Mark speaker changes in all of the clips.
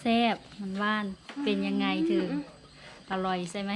Speaker 1: แซ่บมันหวานเป็นยังไงถึงอร่อยใช่ไหม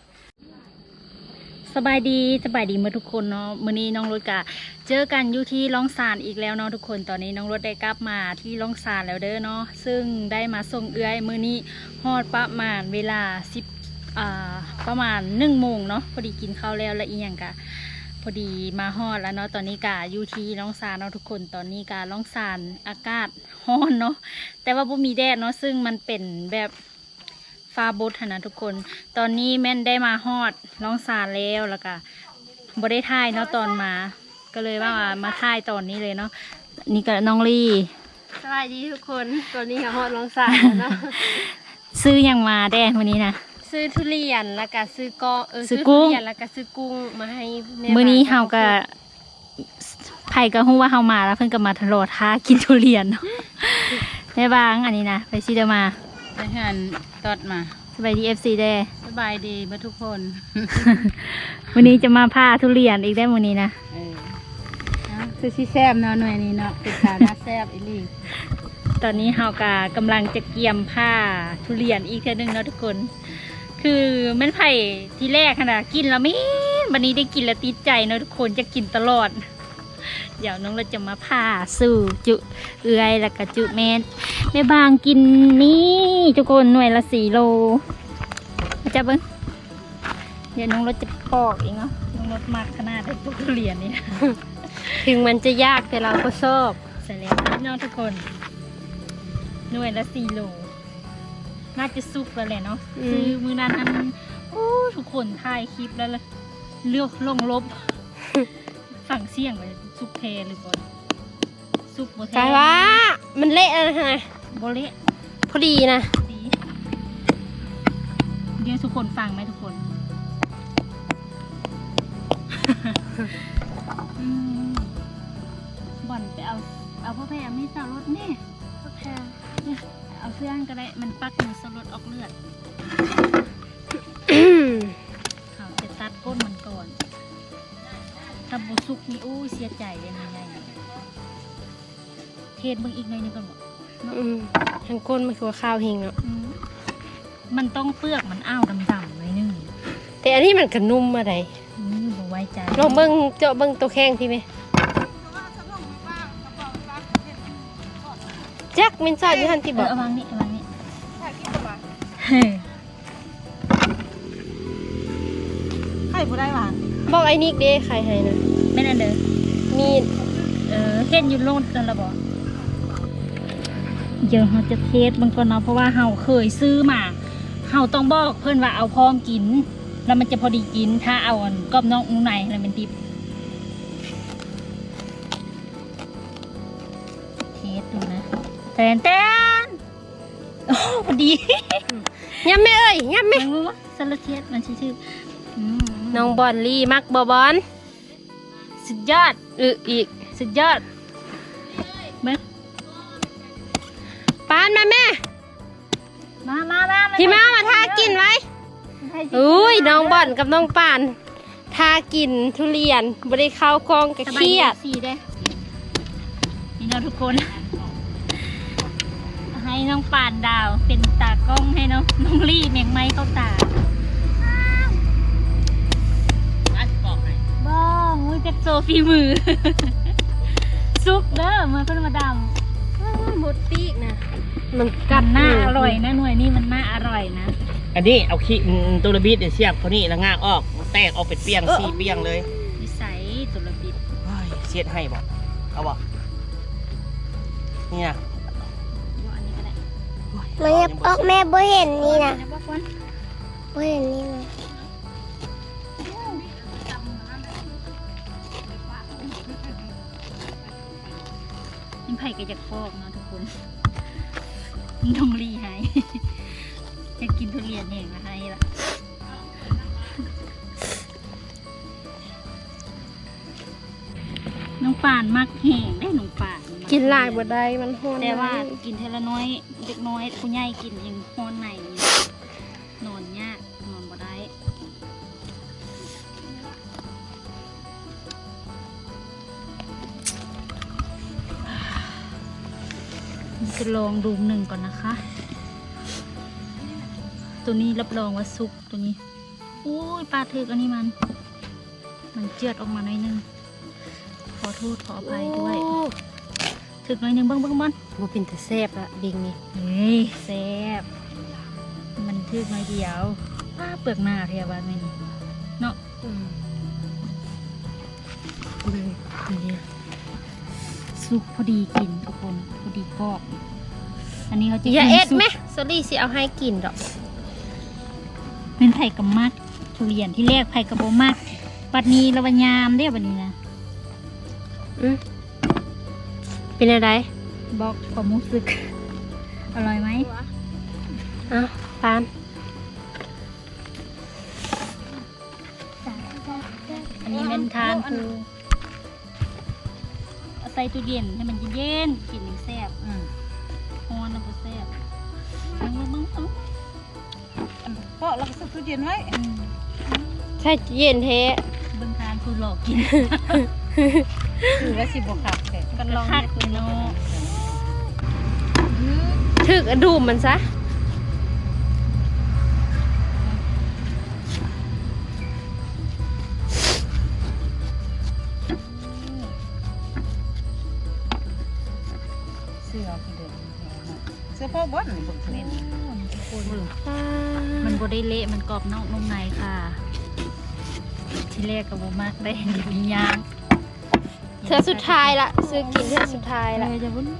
Speaker 1: สบายดีเมื่อทุกคนเนาะมื้อนี้น้องรถกะเจอกันอยู่ที่ล่องซานอีกแล้วเนาะทุกคนตอนนี้น้องรถได้กลับมาที่ล่องซานแล้วเด้อเนาะซึ่งได้มาส่งเอื้อยมื้อนี้ฮอดประมาณเวลาประมาณ1 โมงเนาะพอดีกินข้าวแล้วและอีหยังกะพอดีมาฮอดแล้วเนาะตอนนี้กะอยู่ที่ล่องซานเนาะทุกคนตอนนี้กะล่องซานอากาศร้อนเนาะแต่ว่าบ่มีแดดเนาะซึ่งมันเป็นแบบฟ้าบดนะทุกคนตอนนี้แม่นได้มาฮอดล่องซานแล้วก็บ่ได้ถ่ายเนาะตอนมาก็เลยว่ามาถ่ายตอนนี้เลยเนาะนี่ก็น้องลี่
Speaker 2: สวัสดีทุกคนตอนนี้ค่ะฮอดล่องซานแล้วเนาะ
Speaker 1: ซื้อยังมาแดดวันนี้นะ
Speaker 2: ซื้อทุเรียนแล้วก็ซื้อ
Speaker 1: ซื้อกุ้ง
Speaker 2: ทุเรียนแล้วก็ซื้อกุ้งมาให้แม่
Speaker 1: มื้อนี้เฮาก็ไผก็ฮู้ว่าเฮามาแล้วเพิ่นก็มาทะเลาะท้ากินทุเรียนเนาะ แม่บางอันนี้นะไปซิเดมา
Speaker 2: ไปหันตอดมา
Speaker 1: สบายดี FC แด้
Speaker 2: สบายดีทุกคน
Speaker 1: วันนี้จะมาพาทุเรียนอีกได้มื้อนี้นะ
Speaker 2: คือสิแซ่บเนาะหน่วยนี้เนาะเป็นสาระแซ่บอีหลี
Speaker 1: ตอนนี้เฮาก็กำลังจะเกี่ยมผ้าทุเรียนอีกเทื่อนึงเนาะทุกคนคือแม่นไผ่ที่แรกขนาดกินแล้วไม่วันนี้ได้กินแล้วติดใจเนาะทุกคนจะกินตลอดเดี๋ยวน้องเราจะมาผ่าสู่จุเอื้อยแล้วก็จุแม่บางกินนี่ทุกคนหน่วยละ4 โลจะเบิ้งเดี๋ยวน้องเราจะปอกเองเนาะน้องรถมากขนาดได้พวกทุเรียนนี่
Speaker 2: ถึงมันจะยากแต่เราก็ชอบ
Speaker 1: ใส่แล้วน้องทุกคนหน่วยละ4 โลน่าจะสุกแล้วแหละเนาะคือมือนั้นโอ้ทุกคนถ่ายคลิปแล้วเลือกลงลบ ฝั่งเสี่ยงไปสุกเทหรือก่อนสุกโบเท
Speaker 2: กายว่ามันเละนะฮะ
Speaker 1: โบเละ
Speaker 2: พอดีนะ
Speaker 1: ดีเดี๋ยวทุกคนฟังไหมทุกคน บ่อนไปเอาพ่อแพรไม่สาวรถนี่
Speaker 2: พ่อแพร
Speaker 1: เอาเสื้อก็ได้มันปักมือสลดออกเลือด เขาจะตัดก้นมันก่อนถ้าบุสุกนี่อู้เสียใจเลยยังไงเทศมึงอีกหน่อยนึงก่อนบอก
Speaker 2: ทางก้นมันคือข้าวหิงเนาะ
Speaker 1: มันต้องเปลือกมันอ้าวดำๆหน่อยนึง
Speaker 2: แต่อันนี้มันกระนุ่มอะไร
Speaker 1: บ่ไว้ใจ
Speaker 2: ลองเจาะเบิ้งตัวแข้งพี่ไหมจักมินซอยอยู่ทันที่บอก
Speaker 1: วางนี่ไข่ผู้ได้หวาน
Speaker 2: บอกไอ้นิกเด้ไข่ให้นะ
Speaker 1: ไม่นั่นเด้อ
Speaker 2: มี
Speaker 1: เฮ็ดอยู่โลดกันละบ่เดี๋ยวเราจะเทสบางก่อนเนาะเพราะว่าเราเคยซื้อมาเราต้องบอกเพื่อนว่าเอาพร้อมกินแล้วมันจะพอดีกินถ้าเอากรอบนอกนุ่มในอะไรเป็นดิบเทสดูนะแตนโอ้พอดี
Speaker 2: ยับไม่เอ้ยยับไม่
Speaker 1: สลัดเทสมันชื่อ
Speaker 2: น้องบอลลี่มักบอล
Speaker 1: สุดยอด
Speaker 2: อีก
Speaker 1: สุดยอดแม่
Speaker 2: ปานมาแม่
Speaker 1: มา
Speaker 2: พี่มาทากินไว้อุ้ยน้องบอลกับน้องปานทากินทุเรียนบริเข้ากองกระเคียด
Speaker 1: นี่เราทุกคนให้น้องปานดาวเป็นตากล้องให้น้องลี่เมียงไม้เข้าตาบ้องมือจากโซฟีมือซุปเด้อมือเพิ่นมาด
Speaker 2: ำหมดปีกนะ
Speaker 1: มันกันหน้าอร่อยนะหน่วยนี้มันน่าอร่อยนะ
Speaker 3: อันนี้เอาขี้ตุลบิดเสียบเขานี่แล้วง่างออกแตกออกเป็นเปียง4 เปียงเลย
Speaker 1: นิสัยตุลบิด
Speaker 3: เสียดให้บอกเอาบอกนี่นะ
Speaker 4: มันจะออกแม่บ่เห็นนี่นะบ่เห็นนี่นะ
Speaker 1: นี่ไผ่ก็จะฟอกเนาะทุกคนน้องลีให้จะกินทุเรียนเองนะให้ละน้องป่านมักแห้งได้น้องป่าน
Speaker 2: กินหลายบ่ได้มันฮ้อน
Speaker 1: แต่ว่ากินเทละน้อยเด็กน้อยผู้ใหญ่กินยังฮ้อนในนอนยากนอนบ่ได้จะลองดู1ก่อนนะคะตัวนี้รับรองว่าสุกตัวนี้อุ้ยปลาถึกอันนี้มันเจือดออกมาหน่อยนึงขอโทษขออภัยด้วยถึกหน่อยนึงเบิ้งบอล
Speaker 2: บ่เป็นแต่แซ่บละบิงนี่
Speaker 1: เฮ้ยแซ่บมันถึกหน่อยเดียวป้าเปลือกหน้าเทียบบ้านไม่นี่เนาะนี่สุกพอดีกินทุกคนพอดีกรอบอันนี้เขาจะ
Speaker 2: อย่า
Speaker 1: กิน
Speaker 2: เอ็ด
Speaker 1: สุก
Speaker 2: ไหมสลี่สิเอาให้กินดอก
Speaker 1: เป็นไผ่กับมักทุเรียนที่แรกไผ่กับโบมักปัดนี้ระวังยามได้อบัดนี้นะ
Speaker 2: เป็นอะไร
Speaker 1: บอกความรู้สึก อร่อยไหม
Speaker 2: อ้าวปาน
Speaker 1: อันนี้เป็นทานคือเอาใส่ตู้เย็นให้มันเย็นๆกินแซ่บฮ้อนแล้วก็แซ่บมึง
Speaker 3: เพราะเราก็ซื้อตู้เย็นไว้
Speaker 2: ใช่เย็นแท้
Speaker 1: เบิ่งทานคือหลอกกิน
Speaker 3: คือว่าสิบวกขับแต่
Speaker 1: กันลองคักเลยเนาะ
Speaker 2: ถึกอะดูมมันซะ
Speaker 3: เสื้อคือเด็กเสื้อพ่อบอสนี่บุกเมน
Speaker 1: มันบ่ได้เละมันกรอบนอกนุ่มในค่ะ ที่แรกกับโบมักได้เห็นวิญญาณ
Speaker 2: เธอสุดท้ายละซื้อกินเธอสุดท้ายละ
Speaker 1: เลยจะวุ้น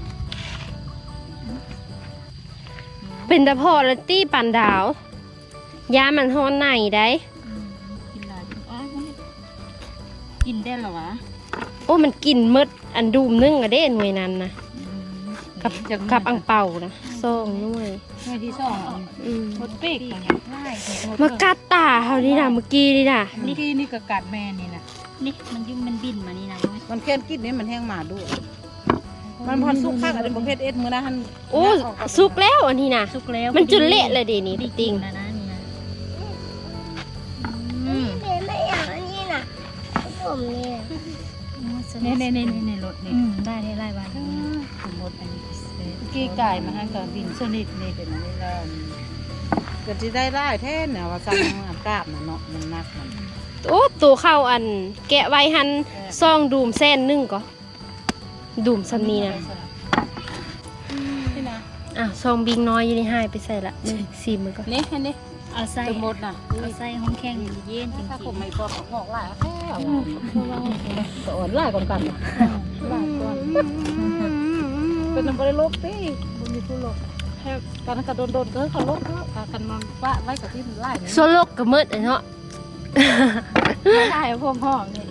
Speaker 2: เป็นตะพอและตี้ปันดาว ยามันฮ้อนไหนได้
Speaker 1: กินหลายกินได้เหรอวะ
Speaker 2: โอ้มันกินมืดอันดูมนึ่งอะเด้หน่วยนั้นนะกับอังเป่านะซองหน่วย
Speaker 3: เมื่อที่สอง
Speaker 2: ม
Speaker 3: หมดปีก
Speaker 2: มากัดตาเขานี่นะเมื่อกี้นี่นะ
Speaker 3: เมื่อกี้นี่ก็กัดแม่นี่นะ
Speaker 1: นี่มันยุ่งมันบินมานี่นะ
Speaker 3: มันแค่กินนี่มันแห้งหมาด้วยมันพอสุกข้างอะไรประเภทเอ็ดมือนะฮัน
Speaker 2: โอ้สุกแล้วอันนี้นะ
Speaker 1: สุกแล้ว
Speaker 2: มันจุเละเลยเดี๋ยวนี้
Speaker 1: ดี
Speaker 2: ติง
Speaker 1: นะนะนี่นะ
Speaker 4: ไม่อยากอันนี้น่ะผมเนี่ย
Speaker 3: ในรถนี่
Speaker 1: ได้ได้บ้าน
Speaker 3: สมมติอันนี้กี้ไก่มาให้กับบินสนิทนี่เป็นอะไรแล้วก็จะได้แท้เนี่ยว่าสั่งอับกาบเนาะมันนักมัน
Speaker 2: โอ้ตัวเข้าอัน แกะไว้หันซองดูมแซ่นนึ่งก็ดูมซัมนี้นะ
Speaker 3: นี่นะ
Speaker 2: อ่ะซองบิงน้อยอยู่ในห้ายไปใส่ละซีมือก็
Speaker 3: นี่อันนี้
Speaker 1: เอาใส่
Speaker 3: สมมตินะ
Speaker 1: เอาใส่ห้องแข็งเย็นจริง
Speaker 3: ถ้าผมไม่บอกหอกหลายแค่สอนหลายก่อนกันหลายก่อนเป็นน้ำบริโลกตีบุญมีผู้โลกตอนนั้นก็โดนก็เขาโลกก็กันนอนว่าไว้กับที่มันไล่
Speaker 2: โซโลกกับมืดเนาะ
Speaker 3: ไล่พวกห้องนี่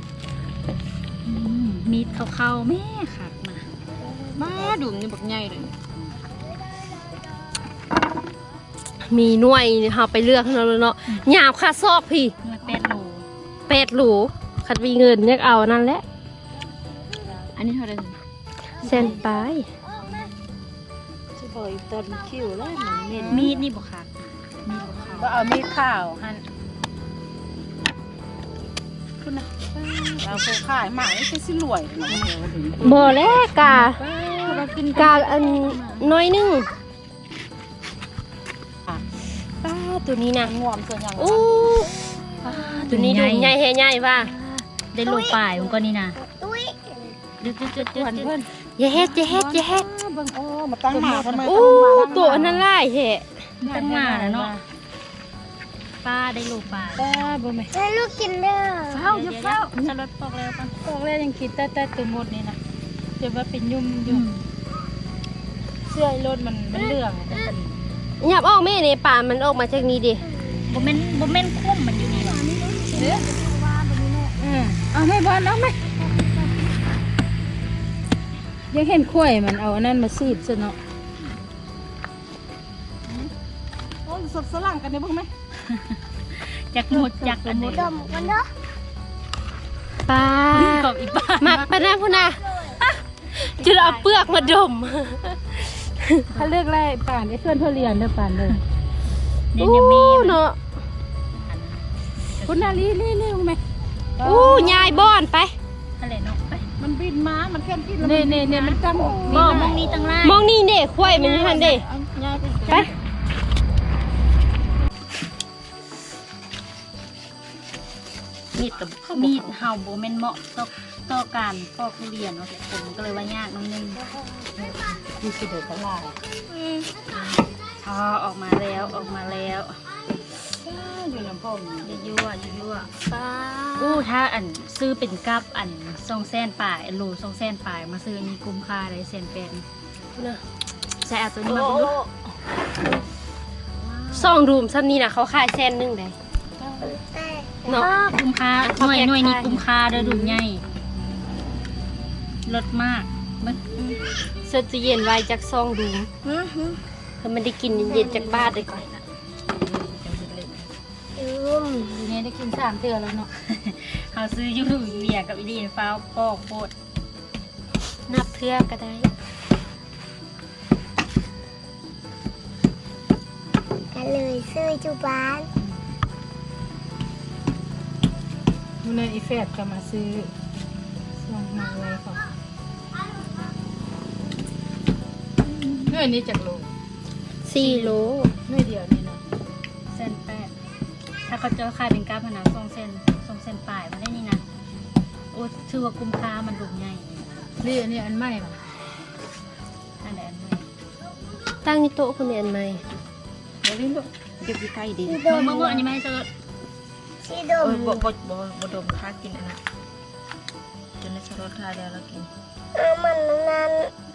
Speaker 1: มีดเข้าๆแม่ค่ะมา
Speaker 3: มาดุมนี่บักใหญ่เลย
Speaker 2: มีหน่วยเฮาไปเลือกเนาะหยาบค่าซอกพี่
Speaker 1: เนื้อ8 โล
Speaker 2: 8 หลูคัดมีเงินเรียกเอานั่นแหละ
Speaker 1: อันนี้เท่าไหร่
Speaker 2: แซนไป
Speaker 3: ชิบอยต้นคิวเลยมันเน้น
Speaker 1: มีดนี่บ่ค่ะมีดบ่ค่ะ
Speaker 3: ก็เอามีดข้าวหั่นคุณนะเราเคยขายหมาไม่ใช่สิรวย
Speaker 2: บ่แล้วกา กาอันน้อยหนึงป้าตัวนี้นะ
Speaker 3: งวมส่วนอย่าง
Speaker 2: อู้ตัวนี้ดูใหญ่แฮ่ใหญ่ป่ะ
Speaker 1: ได้โลป่ายมันก็นี่นะ
Speaker 4: ตุ้ย
Speaker 1: จุด
Speaker 3: เพื่อน
Speaker 2: อย่าเฮ็ดอย่าเฮ็ดอย่าเฮ็ด
Speaker 3: เบิ่งโอ้มาตั้งหมาทำไม
Speaker 2: อู้ตัวอันนั้นไล่แฮ่
Speaker 1: ตั้งมาแล้วเนาะป้าได้โลป่าย
Speaker 3: ป้าบ่แม่
Speaker 4: ให้ลูกกินเด้อ
Speaker 1: จะรถปอกแล้วป่ะ
Speaker 3: ตอกแล้วยังคิดแต่ตัวหมดนี่นะจะว่าเป็นยุ่มอยู่เสื้อรถมันเลื่อง
Speaker 2: หยับออกแม่นี่ป่ามันออกมาจากนี้ดิ
Speaker 1: บ่แม่นคุ้มมันอยู่นี่หรอ
Speaker 3: เอาไม่บอลเอาไหมยังเห็นข้วยมันเอาอันนั้นมาซีดซะเนาะโอ้สดสลังกันได้บ้างไหม
Speaker 1: จักหมดจักอันนี้
Speaker 4: ดมกันเด้อ
Speaker 2: ป้า
Speaker 1: กับอีป้า
Speaker 2: มักปะนะพุ่นน่ะจะเอาเปลือกมาดม
Speaker 3: เขาเลือกไล่ป่านไอ้เพื่อนเพื่อเรียนเด้อป่านเลย
Speaker 1: เนี่ยจะมี
Speaker 2: เนาะ
Speaker 3: คุณนาลีนี่ไหม
Speaker 2: อู้ยายบ้อนไป
Speaker 1: อะไรเนาะไป
Speaker 3: มันบินมามันแค่กินเนี่ยมันจัง
Speaker 1: บ่มองนี้ตั้งไล่
Speaker 2: มองนี่เด้ควายมันอยู่ทันเด้
Speaker 3: ยายไป
Speaker 2: ไป
Speaker 3: มีดกับ
Speaker 1: มีดเห่าโบแมนเหมาะต่อการปอกทุเรียนเนาะทุกคนก็เลยว่ายากน้องนึง
Speaker 3: มีสิเดือดตลาด
Speaker 1: อ๋อออกมาแล้ว
Speaker 3: อยู่น้ำพ่อม
Speaker 1: ยั่วอู้ถ้าอันซื้อเป็นกับอัน200,000 ปลายโล200,000 ปลายมาซื้ออันนี้คุ้มค่าได้100,000
Speaker 2: นะ
Speaker 1: ใช่เอาตัวนี้มาดู
Speaker 2: ซ่องรูมซ้ำนี่นะเขาขาย100,000ได้เนาะ
Speaker 1: คุ้มค่าหน่วยนี้คุ้มค่าเด้อดูใหญ่ลดมากมัน
Speaker 2: เสื้อตู้เย็นไว้จากซ่องรูมเพื่อมันได้กินเย็นๆจากบ้านเลยก่อน
Speaker 1: ทีนี้ได้กิน3 เทื่อแล้วเนาะ เขาซื้อยูเวียกับอีดีนฟ้าวปอกโคตร
Speaker 2: นับเทื่อก็ได้
Speaker 4: กันเลยซื้อจุบ้าน
Speaker 3: นู่นน่ะอีแฟดก็มาซื้อส่งมาไว้ก่อนเนื้อนี้จากโล
Speaker 2: 4 โล
Speaker 3: เนื้อเดียวนี่นะ
Speaker 1: 1,800ถ้าเขาจะขายเป็นกราฟนะ200,000 ปลายมาได้นี่นะโอ้ชื่อว่าคุ้มค่ามันดูใหญ่
Speaker 3: นี่อันนี้อันใหม่ป่ะ
Speaker 1: อันไหนอันไหน
Speaker 2: ตั้งที่โต๊ะคนเรียนไหม
Speaker 3: เดี๋ยวลิ้นลูกเก็บอยู่ใกล้ดี
Speaker 4: สีดม
Speaker 1: เมื่ออันนี้ไม่ให้เจอ
Speaker 4: สีดม
Speaker 3: บ่ดมค่ากินอันนั้นจนในสรสทาเดียวเรากิน
Speaker 4: มันนั้น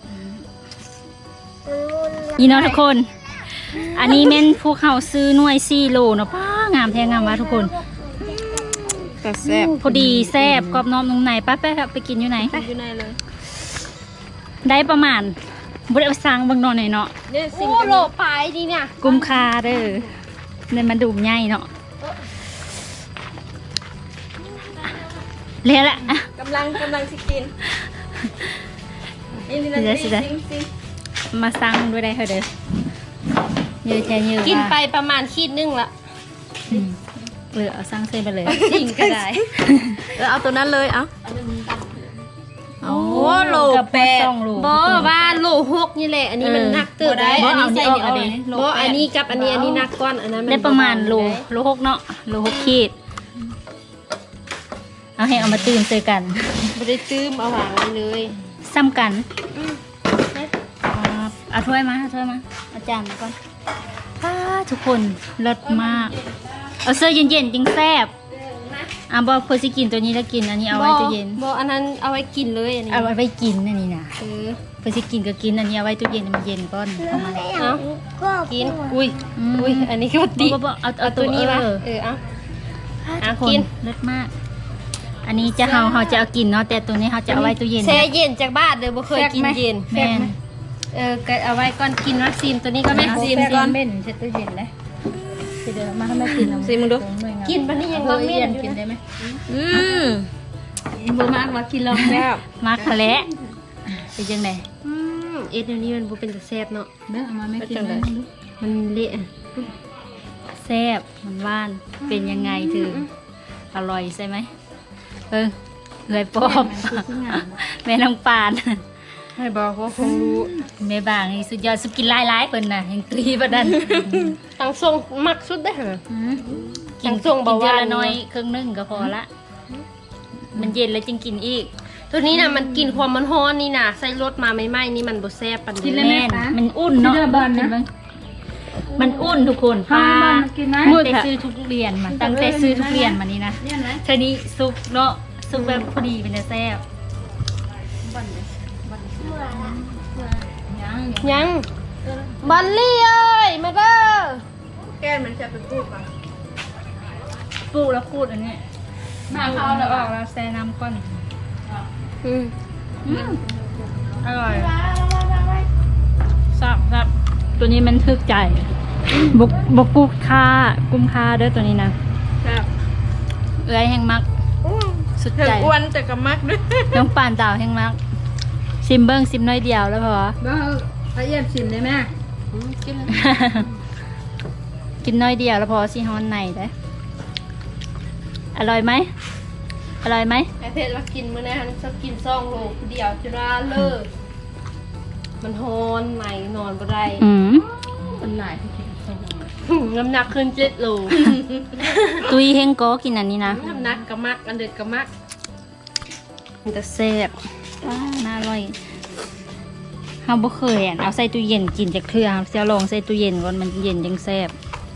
Speaker 4: มันวุ่น
Speaker 1: นี่เนาะทุกคน อันนี้แม่นพวกเขาซื้อหน่วย4 โลเนาะป้างามแท้งามวะทุกคน
Speaker 3: แต่แซ่บ
Speaker 1: พอดีแซ่บกรอบนอกนุ่มในป้าไปกินอยู่ไหน
Speaker 3: อยู่ในเลย
Speaker 1: ได้ประมาณบุได้ไปสร้างเบางนอนหน่อยเนาะ
Speaker 3: เนี่ยสิ่ง
Speaker 2: โอ้โลปลายดีเนี่ย
Speaker 1: กุมคาเด้อเนี่ยมันดูใหญ่เนาะเละละอ่ะ
Speaker 3: กำลังสิกินนี่นี่
Speaker 1: เดี๋ยวสิได้มาสร้างด้วยได้เหรอเด้อเยอะแค่เยอะ
Speaker 2: กินไป
Speaker 1: ว่ะ
Speaker 2: ประมาณขีดนึงละ
Speaker 1: อืมเหลือเอาสร้างเส้นไปเลย
Speaker 2: จริงก็ได้
Speaker 3: เอาตัวนั้นเลยเอาโอ้โล
Speaker 1: กับ
Speaker 3: แปด
Speaker 1: 2 โล
Speaker 2: บอว่าโล6นี่แหละ อันนี้มันหนักเติบได้
Speaker 1: บ่
Speaker 2: อัน
Speaker 1: เอา
Speaker 2: นี้
Speaker 1: นี่
Speaker 2: ใส่
Speaker 1: ออก
Speaker 2: เอา
Speaker 1: เอาดิ
Speaker 2: บออันนี้กับอันนี้หนักก้อนอันนั้นมัน
Speaker 1: ได้ประมาณ
Speaker 2: เบ
Speaker 1: โล
Speaker 2: ๆได้
Speaker 1: 6เนาะโล6 ขีดเอาให้เอามาตื่นเจอกัน
Speaker 2: ไม่ได้ตื้มเอาวางไว้เลย
Speaker 1: ซ้ำกันเอาถ้วยมาเอาจานมาก่อนทุกคนเลิศมาก เอาเสื้อเย็นๆจริงแซ่บบอกเพื่อสิกินตัวนี้แล้วกินอันนี้เอาไว้ตู้เย็น
Speaker 2: บออันนั้นเอาไว้กินเลยอันนี้
Speaker 1: เอาไว้กินอันนี้นะ
Speaker 2: เออ
Speaker 1: เพื่อสิกินก็กินอันนี้เอาไว้ตู้เย็นมันเย็นก่อนเอามา
Speaker 2: เอา
Speaker 4: ก็
Speaker 2: กินอุ้ยอันนี้ก็ดี
Speaker 1: บ่เอา
Speaker 2: เอาตัวนี้มาเอา
Speaker 1: ทุกคน
Speaker 2: กิน
Speaker 1: เลิศมาก อันนี้จะเขาจะเอากินเนาะแต่ตัวนี้เขาจะเอาไว้ตู้เย็น
Speaker 2: แช่เย็นจากบ้านเลยบ่เคยกินเย็น
Speaker 1: แม่น
Speaker 2: ก็เอาไว้ก่อนกินวัคซีนตัวนี้ก็แม่ซีมก่อน
Speaker 3: เม่นเช็ดตู้เย็นเลยสิเดี๋ยวมาให้แม่กิน
Speaker 2: ซีมึงดูกินปันนี้ยังบ่เม่น
Speaker 3: กินได้ไหม
Speaker 1: บ่มากว่ากินลองแม่มากทะเลเป็นจังได
Speaker 2: เอ็ดเดี๋ยวนี้มันบ่เป็นตะแซ่บเนาะ
Speaker 3: เด้อเอามาแม่กินเลย
Speaker 2: มันเละ
Speaker 1: แซ่บมันหว่านเป็นยังไงถึงอร่อยใช่ไหมเลยปอบแม่น้องปาน
Speaker 3: ให้บอกว่าคงรู้
Speaker 1: แม่บางนี่สุดยอดสุดกินหลายๆเพิ่นน่ะยังตรีบ่ดัน
Speaker 2: ตังทรงมักสุดได้อหั่น
Speaker 1: กิน
Speaker 2: ส่งเบาหวาน
Speaker 1: กินเดือนละน้อยครึ่งนึงก็พอละ มันเย็นแล้วจึงกินอีก
Speaker 2: ตัวนี้น่ะมันกินความมันร้อนนี่น่ะใส่รสมาใหม่ๆนี่มันบ่แซ่บปานนี้
Speaker 1: แม่นมันอุ่นเนาะมันอุ่นทุกคนป้าตั้งแต่ซื้อทุกเรียนมาตั้งแต่ซื้อทุกเรียนมานี่นะทีนี้ซุปเนาะซุปแบบพอดีเป็นแซ่บ
Speaker 2: ยังบัลลี่เอ้ยมาเด้อ
Speaker 3: แก้มันจะไปพูดก่อน
Speaker 1: ปลูกแล้วพูดอันนี้มาเข้าแล้วออกแล้วแซ่น้ำก้อน อร่อยซับตัวนี้มันทึกใจบกกุ้มค่าเด้อตัวนี้นะเอ้ยแห้งมักสุดใจ
Speaker 3: อ้วนแต่ก็มักด้วย
Speaker 1: น้องป่านดาวแห้งมักซิมเบิ้งซิมน้อยเดียวแล้วพอ
Speaker 3: บ้าละเอียดชิมได้ไหม
Speaker 2: กินเลย
Speaker 1: กินน้อยเดียวแล้วพอสิฮอนในได้อร่อยไหมอร่อยไหม
Speaker 2: ไอเพชรว่ากินมื้อนั้นชอบกิน2 โลเดียวจุฬาเลิกมันฮ้อนใหม่นอนบ่ได้
Speaker 1: อืม
Speaker 3: คนหลายที่กินส้ม
Speaker 2: น้ำหนักขึ้น7 โล
Speaker 1: ตุยเฮงก็กินอันนี้นะ
Speaker 2: น้ำหนักกะมักอันเด็ดกะมัก
Speaker 1: มันจะแซ่บน่าอร่อยเฮาบ่เคยเอาใส่ตู้เย็นกินจากเทื่อครับจะลองใส่ตู้เย็นก่อนมันเย็นจังแซ่บ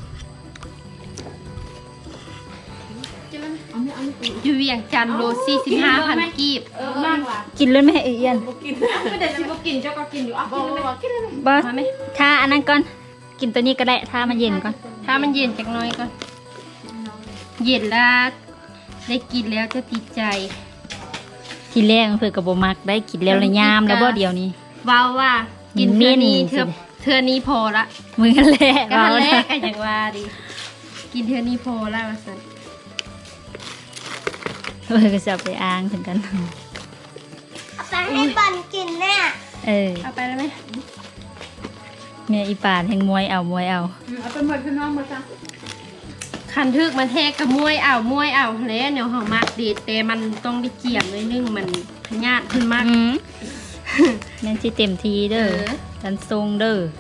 Speaker 2: อยู่เวียงจันทน์โล45,000 กีบ
Speaker 1: กินเลยไหมเอียน
Speaker 2: ไม่ได้สิบ่กินเจ้าก็กินอยู่อ่ะกินเลยไหม
Speaker 1: บ่ถ้าอันนั้นก่อนกินตัวนี้ก็ได้ถ้ามันเย็นก่อน
Speaker 2: ถ้ามันเย็นจักหน้อยก่อนเย็นแล้วได้กินแล้วจะติดใจ
Speaker 1: ทีแรกเพิ่นก็บ่มักได้กินแล้วละยามแล้วบ่เดียวนี้
Speaker 2: ว้าวว่ากินเทื่อนี้
Speaker 1: มิ้น
Speaker 2: เทื่อนี้พอละ
Speaker 1: มือกันแหละ
Speaker 2: ก็ทันแรก
Speaker 1: เว้า
Speaker 2: ก็อย่างว่าดิกินเทื่อนี้พอละว่าซั่น
Speaker 1: เพิ่นก็จะเอาไปอ้างถึงกัน
Speaker 4: ไปให้ปันกินแน่
Speaker 1: เออ
Speaker 2: เอาไปแล้วไหม
Speaker 1: แม่อีป่านแห่งมวยเอา
Speaker 3: เอาไปหมดพี่น้องมาจ้ะ
Speaker 2: คันทึกมันแทกกับมวยเอาแล้วเดี๋ยวเฮามักดีแต่มันต้องได้เจียมหน่อยนึงมันพยาธิขึ้นมาก
Speaker 1: แม่นสิเต็มทีเด้อ
Speaker 2: เออ
Speaker 1: ดันทรงเด้อ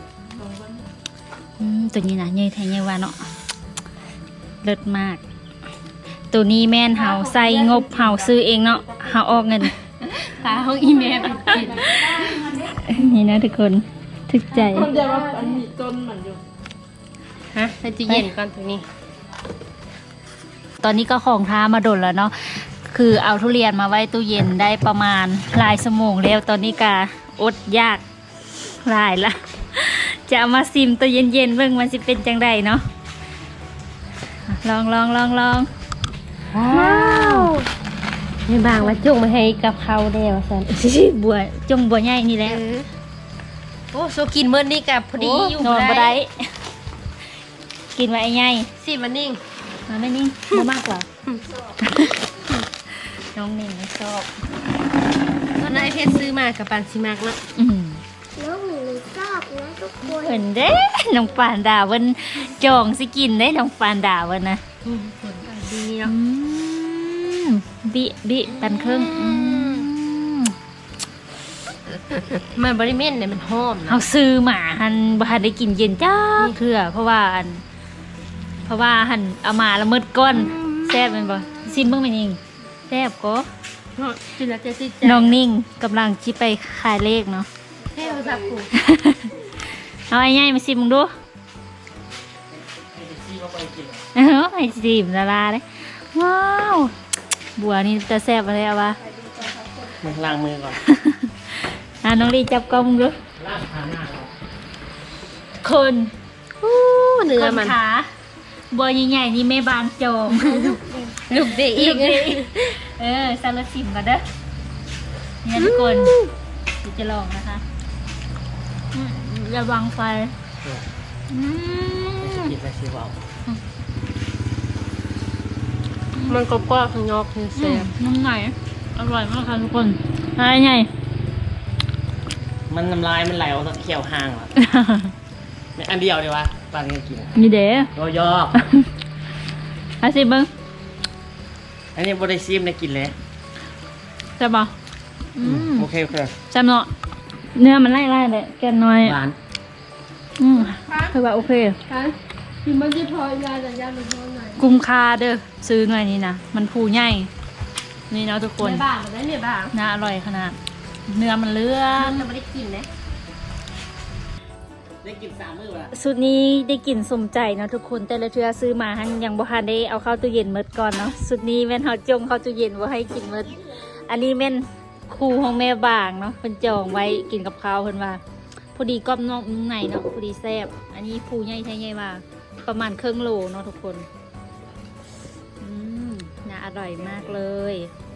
Speaker 1: ตัวนี้นะใหญ่แท้ใหญ่ว่าเนาะเลิศมาก ตัวนี้แม่นเฮาใส่งบเฮาซื้อเองเนาะเฮาออกเงิน
Speaker 2: ตาเขาอีเมลไปกิน
Speaker 1: นี่นะทุกคนถึกใจ
Speaker 3: คนเดียวว่าอันนี้ต้นเหมือนอยู่
Speaker 2: ฮะใส่ตู้เย็นก่อนตรงนี้
Speaker 1: ตอนนี้ก็ของท้ามาดนแล้วเนาะคือเอาทุเรียนมาไว้ตู้เย็นได้ประมาณหลายชั่วโมงแล้วตอนนี้กาอดยากหลายละ จะเอามาซิมตัวเย็นๆเบิ่งมันสิเป็นจังไดเนาะลอง
Speaker 2: ว้าวในบางมาจุ่งมาให้กับเขาได้ว่าซั่น
Speaker 1: บัวจงบัวใหญ่นี่แหละ
Speaker 2: โอ้โซกินเมื่อนี้กับพอดีอยู่
Speaker 1: นอนบ่ได้ กินไว้ไอ้ใหญ่
Speaker 2: สิมันนิ่ง
Speaker 1: มาไม่นิ่งบ่มากกว่า น้องนิ่งไม่ชอบ
Speaker 2: ตอนนั้นไอเพชรซื้อมากับปันซิมากเนาะ
Speaker 4: น้องหนูชอบนะทุกคน
Speaker 1: เหมือนเด้น้องปานดาวันจองสิกินได้น้องปานดาวันนะ
Speaker 2: ผลก็ดีเนาะ
Speaker 1: บิปันครึ่ง
Speaker 2: มันบริเวณเนี่ยมันหอม
Speaker 1: เอา
Speaker 2: เนาะ
Speaker 1: ซื้อหมาหันบ่ทันได้กินเย็นจ้าเถื่อเพราะว่าหันเอามาแล้วมืดก้นแซ่บแม่นบ่ซิมเบิ่งแม่นยิงแซ่บก็
Speaker 2: กินแล้วจะติดใจ
Speaker 1: น้องนิ่งกำลังสิไปขายเลขเนาะ
Speaker 2: เท่ภาษาปู
Speaker 1: เอาไอ้ใหญ่มาซิมมึงดูไอ้ซิมละลาเลยว้าวบัวนี่จะแซ่บอะไรเอาวะ
Speaker 5: มึงล้างมือก่อน
Speaker 1: น้องลีจับกล้องมึงดู
Speaker 5: ล้างขาหน้าก่อน
Speaker 1: คน
Speaker 2: อู้เนื้อมัน
Speaker 1: คขาบัวใหญ่ๆนี่แม่บานโจม
Speaker 2: ลูกเด็กอีก
Speaker 1: ซาลาซิมก่อนเด้อนี่นะทุกคนเดี๋ยวจะลองนะคะระวังไฟอืม
Speaker 5: กินไปสิเบา
Speaker 2: มันกรอบๆข้างนอกคือแซ่บ
Speaker 1: น้ำไหนอร่อยมากค่ะทุกคนอะไรไง
Speaker 5: มันน้ำลายมันไหลออกจากเขียวห่างอ่ะไม่อันเดียวดีวะปานนี้กิน
Speaker 1: นี่เด้
Speaker 5: ย่อ
Speaker 1: อาซิเบิ้ง
Speaker 5: ๆอันนี้บริซิมได้กินเลย
Speaker 1: จะบอก
Speaker 5: โอเค
Speaker 1: จำเนาะเนื้อมันไล่ๆเลยแกนน้อย
Speaker 5: หวาน
Speaker 1: คือว่าโอเค
Speaker 2: กินมันจะพอยาแต่ยามันพอหน่อย
Speaker 1: กุ้มคาเด้อซื้อหน่อยนี้นะมันผูใหญ่นี่เนาะทุกคน
Speaker 2: ในบ้านมันได้เนี่ยบ้าง
Speaker 1: น่าอร่อยขนาด เนื้อมันเลื่อ
Speaker 2: มัน นจะไม่ได้กินนะ
Speaker 5: ได้กิน3 มื้อว่ะ
Speaker 1: สูตรนี้ได้กลิ่นสมใจเนาะทุกคนแต่ละเทื่อซื้อมาหันยังบ่ทันได้เอาเข้าตู้เย็นหมดก่อนเนาะสูตรนี้แม่นเฮาจงเข้าตู้เย็นบ่ให้กินหมดอันนี้แม่นครูของแม่บางเนาะเพิ่นจองไว้กินกับข้าวเพิ่นว่าพอดีกรอบนอกนุ่มในเนาะพอดีแซ่บอันนี้ผูใหญ่แท้ใหญ่ว่าประมาณครึ่งโลเนาะทุกคนน่าอร่อยมากเลย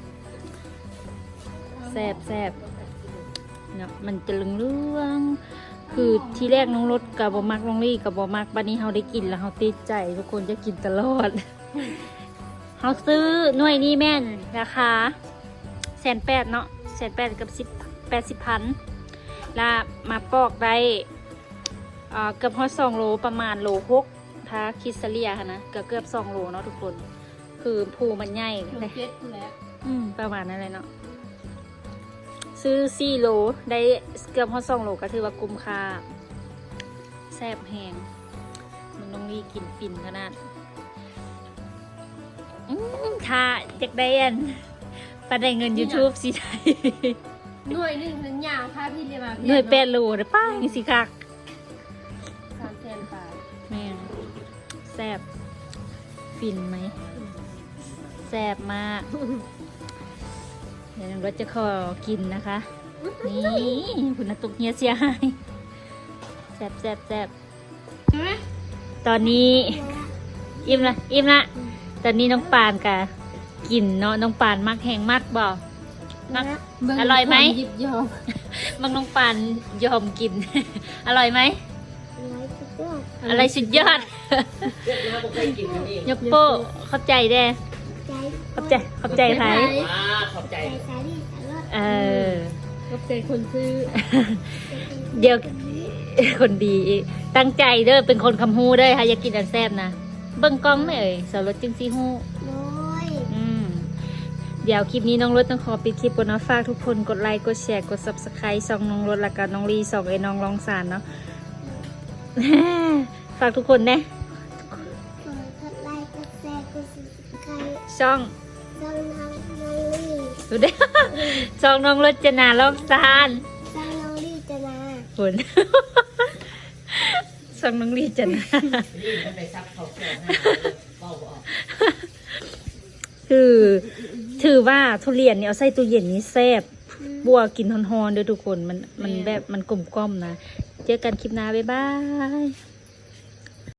Speaker 1: แซ่บเนาะมันจะเหลืองๆคือที่แรกน้องรถกับบมักน้องลี่กับบมักบัดนี้เฮาได้กินแล้วเฮาติดใจทุกคนจะกินตลอด เฮาซื้อหน่วยนี้แม่นราคา180,000เนาะ180,000กับ80,000แล้วมาปอกได้เกือบฮอด2 โลประมาณโล6ถ้าคิดเฉลี่ยค่ะนะเกือบ2 โลเนาะทุกคนคือภูมันใหญ่เลย
Speaker 2: เจ็ดแล้ว
Speaker 1: ประมาณนั้นเลยเนาะซื้อ4 โลได้เกือบฮอด2 โลก็ถือว่าคุ้มค่าแซ่บแหงมันน้องลีกินฟินขนาดถ้าอยากได้อันปาได้เงิน YouTube สิได้
Speaker 2: หน่วยหนึ่งนั้นยาวพาพี่เรียมา
Speaker 1: หน่วย8โลเด้อป้าจังสิคัก
Speaker 2: 300,000 บาท
Speaker 1: แม่นแซ่บฟินไหมแซ่บมากเดี๋ยวน้องรถจะขอกินนะคะ นี่คุณตุกเฮียเสียหายแซ่บแซ่บแซ่บ
Speaker 2: ใช่ไหม
Speaker 1: ตอนนี้อิ่มละตอนนี้น้องปานกะกินเนาะน้องปานมักแห้งมักบ่มัก อร่อยไหม
Speaker 2: ยิบยอม
Speaker 1: มักน้องปานยอมกิน อร่อยไหม อะไรสุดยอด
Speaker 5: เรียกมาบ่เคยกินอันนี้
Speaker 1: ยกโป้เข้าใจแด้เข้าใจไผ
Speaker 5: ขอบใจ
Speaker 1: เออ
Speaker 2: กับใจคนซื้อ
Speaker 1: เดี๋ยว คนดีอีกตั้งใจเด้อเป็นคนคำฮู้เด้อค่ะอยากกินอันแซ่บนะเบิ่งกล้องไหมเอ่ยสาวรถจึงซีฮู้ เดี๋ยวคลิปนี้น้องรถต้องขอปิดคลิปก่อนเนาะฝากทุกคนกดไลค์กดแชร์กด Subscribe ช่องน้องรถแล้วก็น้องลีส่องไอ้น้องรองสารเนาะ ฝากทุกคนนะช่องดูเด้อ ช่องน้องรถจะนาลองสารคุณ ช่องน้องลีจะนา
Speaker 5: นี่มันไปซับเขาแก้วห้างเฝ้าบ่ออก
Speaker 1: คือถือว่าทุเรียนเนี่ยเอาใส่ตู้เย็นนี้แซ่บบัวกินฮอนๆเด้อทุกคนมันแบบมันกลมกล่อมนะ เจอกันคลิปหน้าบ๊ายบาย